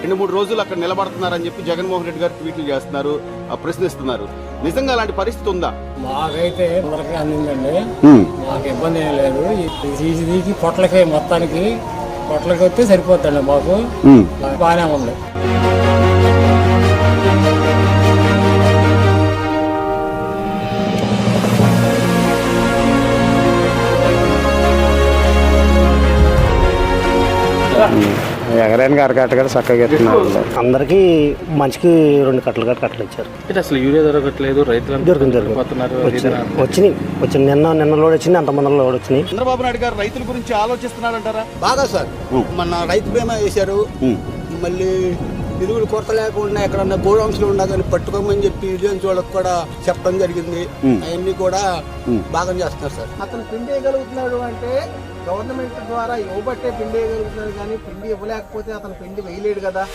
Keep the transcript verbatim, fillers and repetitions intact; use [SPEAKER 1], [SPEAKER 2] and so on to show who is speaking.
[SPEAKER 1] రెండు మూడు రోజులు అక్కడ నిలబడుతున్నారని చెప్పి జగన్మోహన్ రెడ్డి గారు ట్వీట్లు చేస్తున్నారు, ప్రశ్నిస్తున్నారు. నిజంగా అలాంటి పరిస్థితి ఉందా?
[SPEAKER 2] మాకైతే అందరికీ అందిందండి, మాకు ఇబ్బంది ఏం లేదు. తీసి తీసి పొట్లకి మొత్తానికి పొట్లకి వస్తే సరిపోతుందండి, మాకు బాగానే ఉంది.
[SPEAKER 3] ఎగరానికి అరకట్ట కూడా చక్కగా ఎత్తున్నారు. అందరికి మంచికి రెండు కట్టలు కట్ట కట్టలు ఇచ్చారు.
[SPEAKER 4] అసలు యూరియా దొరకట్లేదు, రైతులు
[SPEAKER 3] దొరికింది వచ్చినాయి వచ్చింది నిన్న నిన్న లోడ్ వచ్చింది, అంత మంది లోడ్ వచ్చినాయి.
[SPEAKER 1] చంద్రబాబు నాయుడు గారు రైతుల గురించి ఆలోచిస్తున్నారంటారా?
[SPEAKER 5] బాగా సార్, మన రైతు బీమా వేశారు. మళ్ళీ ఎరువులు కొరత లేకుండా ఎక్కడన్నా గోడౌన్స్ లో ఉన్నా కానీ పట్టుకోమని చెప్పి విలేజ్ వాళ్ళకి కూడా చెప్పడం జరిగింది. అవన్నీ కూడా బాగా చేస్తున్నారు సార్.
[SPEAKER 6] అతను పిండి వేయగలుగుతున్నాడు అంటే గవర్నమెంట్ ద్వారా ఇవ్వబట్టే పిండి వేయగలుగుతున్నాడు, కానీ పిండి ఇవ్వలేకపోతే అతను పిండి వేయలేడు కదా.